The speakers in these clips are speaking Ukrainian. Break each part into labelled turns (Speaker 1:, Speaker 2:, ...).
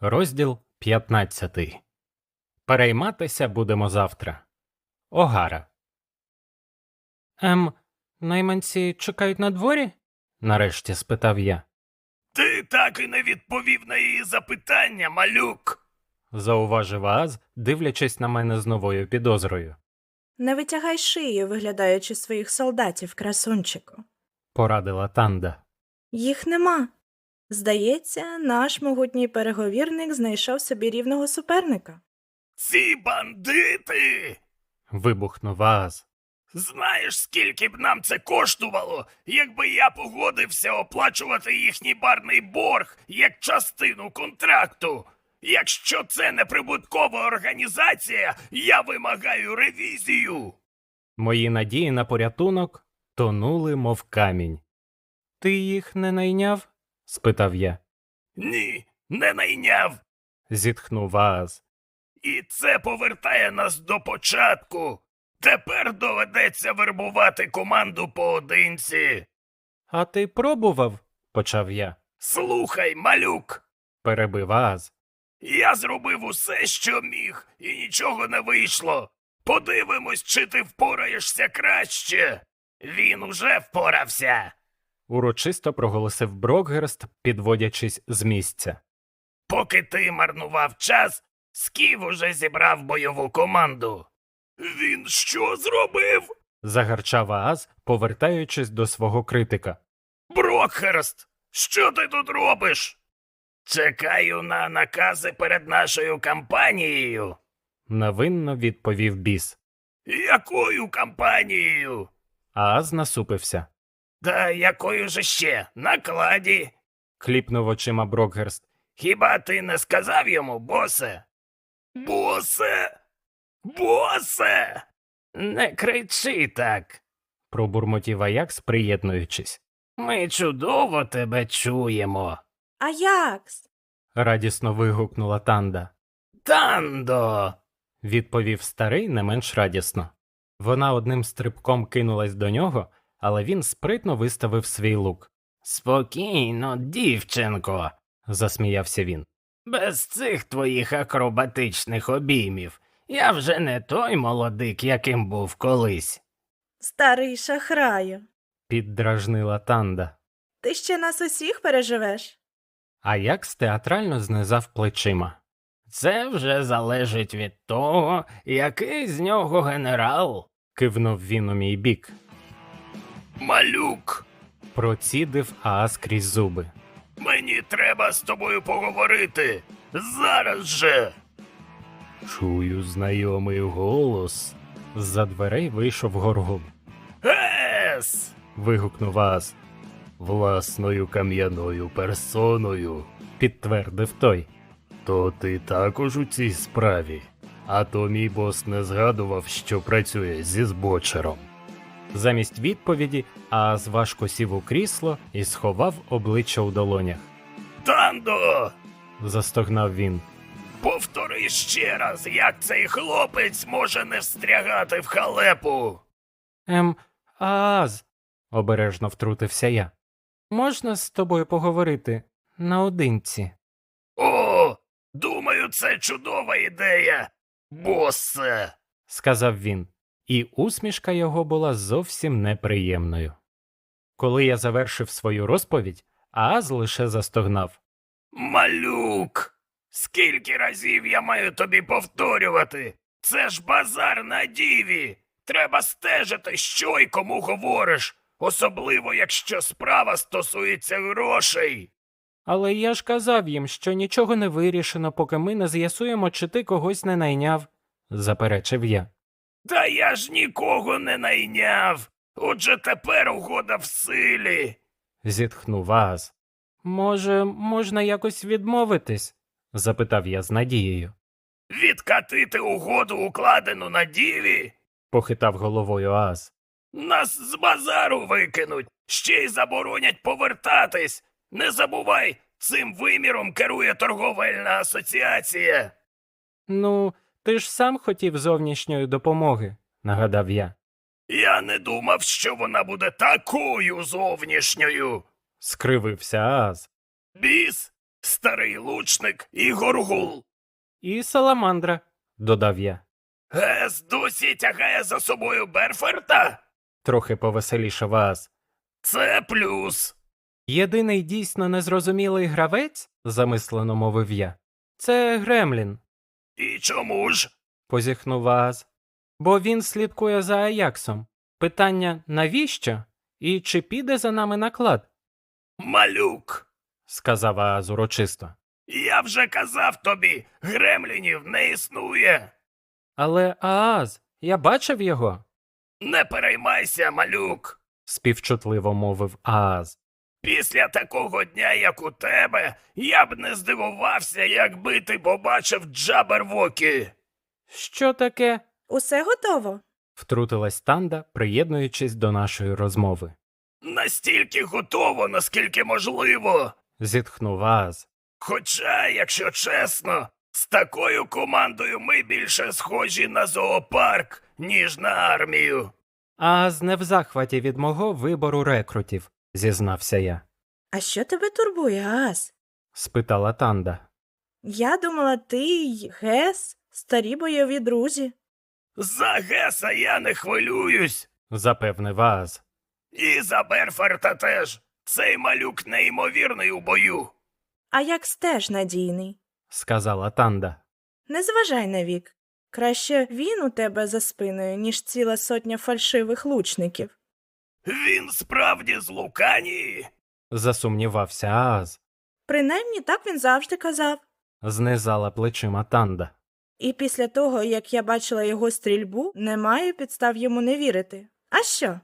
Speaker 1: Розділ 15. Перейматися будемо завтра. Огара. Найманці чекають на дворі? Нарешті спитав я.
Speaker 2: Ти так і не відповів на її запитання, малюк.
Speaker 1: Зауважив Ааз, дивлячись на мене з новою підозрою.
Speaker 3: Не витягай шию, виглядаючи своїх солдатів, красунчику.
Speaker 1: Порадила Танда.
Speaker 3: Їх нема. Здається, наш могутній переговірник знайшов собі рівного суперника.
Speaker 2: Ці бандити!
Speaker 1: Вибухнув Ааз.
Speaker 2: Знаєш, скільки б нам це коштувало, якби я погодився оплачувати їхній барний борг як частину контракту? Якщо це не прибуткова організація, я вимагаю ревізію.
Speaker 1: Мої надії на порятунок тонули, мов камінь. Ти їх не найняв? Спитав я.
Speaker 2: Ні, не найняв.
Speaker 1: Зітхнув Ааз.
Speaker 2: І це повертає нас до початку. Тепер доведеться вербувати команду поодинці.
Speaker 1: А ти пробував? Почав я.
Speaker 2: Слухай, малюк,
Speaker 1: Перебив Ааз.
Speaker 2: я зробив усе, що міг, і нічого не вийшло. Подивимось, чи ти впораєшся краще. Він уже впорався.
Speaker 1: Урочисто проголосив Брокгерст, підводячись з місця.
Speaker 2: Поки ти марнував час, Скіф уже зібрав бойову команду. Він що зробив?
Speaker 1: Загарчав Ааз, повертаючись до свого критика.
Speaker 2: Брокхерст, що ти тут робиш? Чекаю на накази перед нашою кампанією.
Speaker 1: Невинно відповів біс.
Speaker 2: Якою кампанією?
Speaker 1: Ааз насупився.
Speaker 2: Та якою же ще? Накладі.
Speaker 1: Кліпнув очима Брокгерст.
Speaker 2: Хіба ти не сказав йому, босе? Босе? Босе! Не кричи так,
Speaker 1: Пробурмотів Аякс, приєднуючись.
Speaker 2: ми чудово тебе чуємо.
Speaker 3: Аякс!
Speaker 1: Радісно вигукнула Танда.
Speaker 2: Тандо!
Speaker 1: Відповів старий не менш радісно. Вона одним стрибком кинулась до нього, але він спритно виставив свій лук.
Speaker 2: Спокійно, дівчинко,
Speaker 1: Засміявся він.
Speaker 2: без цих твоїх акробатичних обіймів. Я вже не той молодик, яким був колись.
Speaker 3: Старий шахраю,
Speaker 1: Піддражнила Танда.
Speaker 3: ти ще нас усіх переживеш?
Speaker 1: Аякс театрально знизав плечима.
Speaker 2: Це вже залежить від того, який з нього генерал.
Speaker 1: Кивнув він у мій бік.
Speaker 2: Малюк,
Speaker 1: Процідив Ааз крізь зуби.
Speaker 2: мені треба з тобою поговорити. Зараз же.
Speaker 1: Чую знайомий голос. З-за дверей вийшов Горгул.
Speaker 2: Ес!
Speaker 1: Вигукнув Ааз.
Speaker 4: Власною кам'яною персоною.
Speaker 1: Підтвердив той.
Speaker 4: То ти також у цій справі. А то мій бос не згадував, що працює зі збочером.
Speaker 1: Замість відповіді Ааз важко сів у крісло і сховав обличчя у долонях.
Speaker 2: Тандо!
Speaker 1: Застогнав він.
Speaker 2: Повтори ще раз, як цей хлопець може не встрягати в халепу.
Speaker 1: Ааз, обережно втрутився я. Можна з тобою поговорити наодинці?
Speaker 2: О, думаю, це чудова ідея, босе.
Speaker 1: Сказав він, і усмішка його була зовсім неприємною. Коли я завершив свою розповідь, Ааз лише застогнав.
Speaker 2: Малюк, скільки разів я маю тобі повторювати? Це ж базар на діві. Треба стежити, що й кому говориш, особливо якщо справа стосується грошей.
Speaker 1: Але я ж казав їм, що нічого не вирішено, поки ми не з'ясуємо, чи ти когось не найняв, заперечив я.
Speaker 2: Та я ж нікого не найняв. Отже, тепер угода в силі.
Speaker 1: Зітхнув Ааз. Може, можна якось відмовитись? Запитав я з надією.
Speaker 2: Відкатити угоду, укладену на діві?
Speaker 1: Похитав головою Ааз.
Speaker 2: Нас з базару викинуть, ще й заборонять повертатись. Не забувай, цим виміром керує торговельна асоціація.
Speaker 1: Ну, ти ж сам хотів зовнішньої допомоги, нагадав я.
Speaker 2: Я не думав, що вона буде такою зовнішньою.
Speaker 1: Скривився Ааз.
Speaker 2: Біс, старий лучник і горгул.
Speaker 1: І саламандра, додав я.
Speaker 2: Гес досі тягає за собою Берфорта?
Speaker 1: Трохи повеселішав Ааз.
Speaker 2: Це плюс.
Speaker 1: Єдиний дійсно незрозумілий гравець, замислено мовив я, це Гремлін,
Speaker 2: І чому ж?
Speaker 1: позіхнув Ааз. Бо він слідкує за Аяксом. Питання навіщо? І чи піде за нами наклад?
Speaker 2: Малюк.
Speaker 1: Сказав Ааз урочисто.
Speaker 2: Я вже казав тобі, гремлінів не існує.
Speaker 1: Але Ааз, я бачив його,
Speaker 2: Не переймайся, малюк.
Speaker 1: співчутливо мовив Ааз.
Speaker 2: Після такого дня, як у тебе, я б не здивувався, якби ти побачив Джабервокі.
Speaker 1: Що таке?
Speaker 3: Усе готово?
Speaker 1: Втрутилась Танда, приєднуючись до нашої розмови.
Speaker 2: Настільки готово, наскільки можливо.
Speaker 1: Зітхнув Ааз.
Speaker 2: Хоча, якщо чесно, з такою командою ми більше схожі на зоопарк, ніж на армію.
Speaker 1: Ааз не в захваті від мого вибору рекрутів, зізнався я.
Speaker 3: А що тебе турбує, Ааз?
Speaker 1: Спитала Танда.
Speaker 3: Я думала, ти й Гес, старі бойові друзі.
Speaker 2: За Геса я не хвилююсь.
Speaker 1: Запевнив Ааз.
Speaker 2: І за Берфорта теж. Цей малюк неймовірний у бою.
Speaker 3: А як стеж надійний.
Speaker 1: Сказала Танда.
Speaker 3: Не зважай на вік. Краще він у тебе за спиною, ніж ціла сотня фальшивих лучників.
Speaker 2: Він справді з Луканії.
Speaker 1: Засумнівався Ааз.
Speaker 3: Принаймні так він завжди казав.
Speaker 1: Знизала плечима Танда.
Speaker 3: І після того, як я бачила його стрільбу, немає підстав йому не вірити. А що?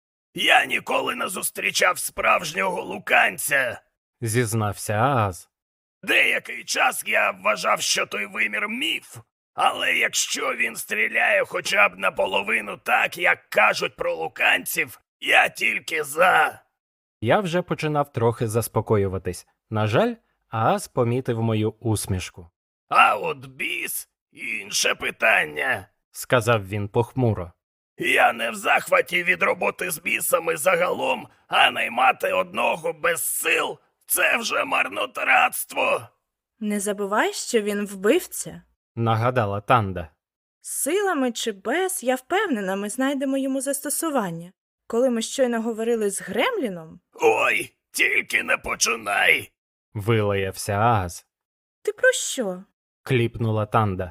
Speaker 2: Я ніколи не зустрічав справжнього луканця.
Speaker 1: Зізнався Ааз.
Speaker 2: Деякий час я вважав, що той вимір міф. Але якщо він стріляє хоча б наполовину так, як кажуть про луканців, я тільки за.
Speaker 1: Я вже починав трохи заспокоюватись. На жаль, Ааз помітив мою усмішку.
Speaker 2: А от біс – інше питання.
Speaker 1: Сказав він похмуро.
Speaker 2: Я не в захваті від роботи з бісами загалом, а наймати одного без сил – це вже марнотратство.
Speaker 3: Не забувай, що він вбивця.
Speaker 1: Нагадала Танда.
Speaker 3: Силами чи без, я впевнена, ми знайдемо йому застосування. Коли ми щойно говорили з Гремліном,
Speaker 2: Ой, тільки не починай.
Speaker 1: Вилаявся Ааз.
Speaker 3: ти про що?
Speaker 1: Кліпнула Танда.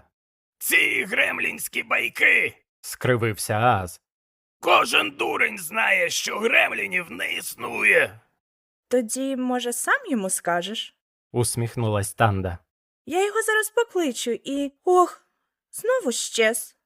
Speaker 2: Ці гремлінські байки.
Speaker 1: Скривився Ааз.
Speaker 2: Кожен дурень знає, що гремлінів не існує.
Speaker 3: Тоді, може, сам йому скажеш?
Speaker 1: Усміхнулась Танда.
Speaker 3: Я його зараз покличу і... Ох, знову щез.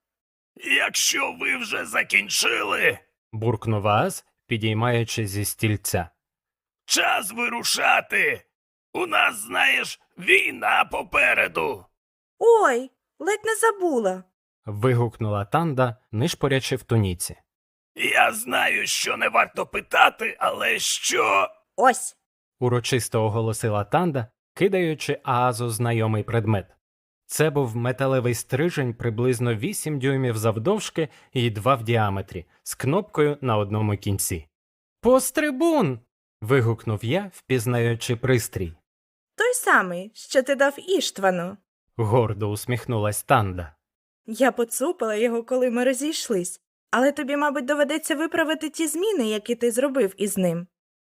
Speaker 2: Якщо ви вже закінчили,
Speaker 1: Буркнув Ааз, підіймаючись зі стільця.
Speaker 2: час вирушати. У нас, знаєш, війна попереду.
Speaker 3: Ой, ледь не забула.
Speaker 1: Вигукнула Танда, нишпорячи в туніці.
Speaker 2: Я знаю, що не варто питати, але що...
Speaker 3: Ось.
Speaker 1: Урочисто оголосила Танда, кидаючи Аазу знайомий предмет. Це був металевий стрижень приблизно 8 дюймів завдовжки і 2 в діаметрі, з кнопкою на одному кінці. «Пострибун!» – вигукнув я, впізнаючи пристрій.
Speaker 3: Той самий, що ти дав Іштвану.
Speaker 1: Гордо усміхнулась Танда.
Speaker 3: Я поцупила його, коли ми розійшлись. Але тобі, мабуть, доведеться виправити ті зміни, які ти зробив із ним.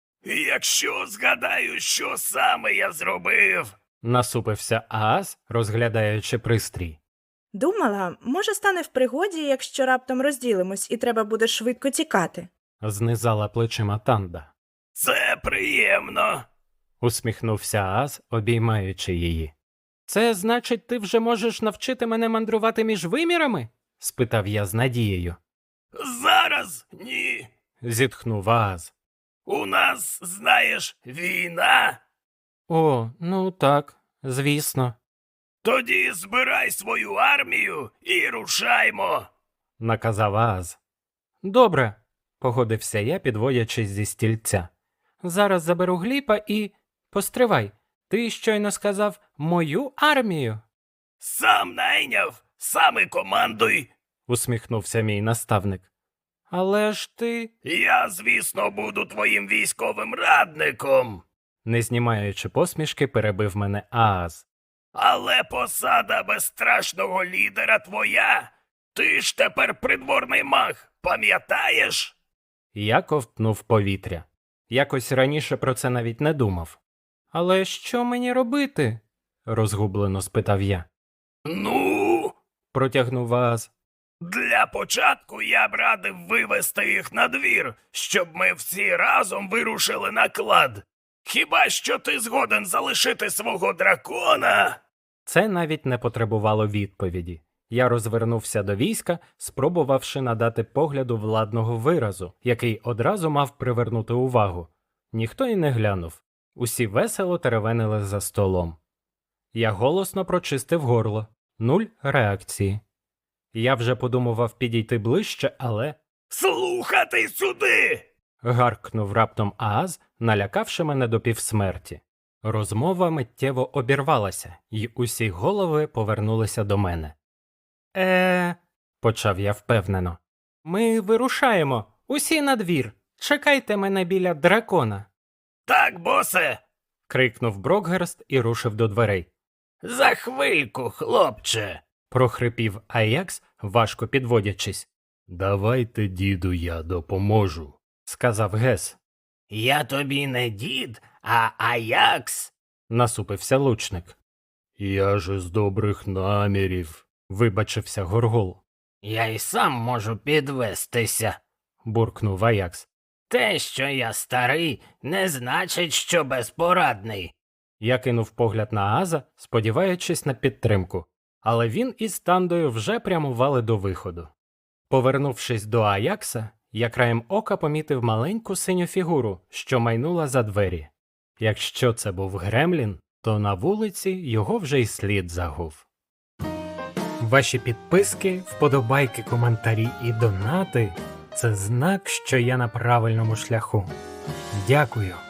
Speaker 2: Якщо згадаю, що саме я зробив...
Speaker 1: Насупився Ааз, розглядаючи пристрій.
Speaker 3: Думала, може стане в пригоді, якщо раптом розділимось і треба буде швидко тікати.
Speaker 1: Знизала плечима Танда.
Speaker 2: Це приємно.
Speaker 1: Усміхнувся Ааз, обіймаючи її. «Це значить, ти вже можеш навчити мене мандрувати між вимірами?» – спитав я з надією.
Speaker 2: Зараз ні.
Speaker 1: Зітхнув Ааз.
Speaker 2: У нас, знаєш, війна.
Speaker 1: «О, ну так, звісно»,
Speaker 2: Тоді збирай свою армію і рушаймо.
Speaker 1: – наказав Ааз. «Добре», – погодився я, підводячись зі стільця. «Зараз заберу Гліпа і... Постривай, ти щойно сказав «мою армію»?»
Speaker 2: Сам найняв, сам і командуй.
Speaker 1: – усміхнувся мій наставник. «Але ж ти...»
Speaker 2: Я, звісно, буду твоїм військовим радником.
Speaker 1: Не знімаючи посмішки, перебив мене Ааз.
Speaker 2: Але посада безстрашного лідера твоя. Ти ж тепер придворний маг, пам'ятаєш?
Speaker 1: Я ковтнув повітря. Якось раніше про це навіть не думав. Але що мені робити? Розгублено спитав я.
Speaker 2: Ну,
Speaker 1: Протягнув Ааз.
Speaker 2: для початку я б радив вивести їх на двір, щоб ми всі разом вирушили на клад. Хіба що ти згоден залишити свого дракона?
Speaker 1: Це навіть не потребувало відповіді. Я розвернувся до війська, спробувавши надати погляду владного виразу, який одразу мав привернути увагу. Ніхто й не глянув. Усі весело теревенили за столом. Я голосно прочистив горло. 0 реакції. Я вже подумував підійти ближче, але...
Speaker 2: Слухати сюди!
Speaker 1: Гаркнув раптом Ааз, налякавши мене до півсмерті. Розмова миттєво обірвалася, і усі голови повернулися до мене. Почав я впевнено. Ми вирушаємо, усі на двір. Чекайте мене біля дракона.
Speaker 2: Так, босе,
Speaker 1: Крикнув Брокгерст і рушив до дверей.
Speaker 2: за хвильку, хлопче.
Speaker 1: Прохрипів Аякс, важко підводячись.
Speaker 4: Давайте, діду, я допоможу.
Speaker 1: Сказав Гес.
Speaker 2: Я тобі не дід, а Аякс.
Speaker 1: Насупився лучник.
Speaker 4: Я ж з добрих намірів.
Speaker 1: Вибачився Горгул.
Speaker 2: Я й сам можу підвестися.
Speaker 1: Буркнув Аякс.
Speaker 2: Те, що я старий, не значить, що безпорадний.
Speaker 1: Я кинув погляд на Ааза, сподіваючись на підтримку, але він із Тандою вже прямували до виходу. Повернувшись до Аякса, я краєм ока помітив маленьку синю фігуру, що майнула за двері. Якщо це був Гремлін, то на вулиці його вже й слід загув. Ваші підписки, вподобайки, коментарі і донати – це знак, що я на правильному шляху. Дякую.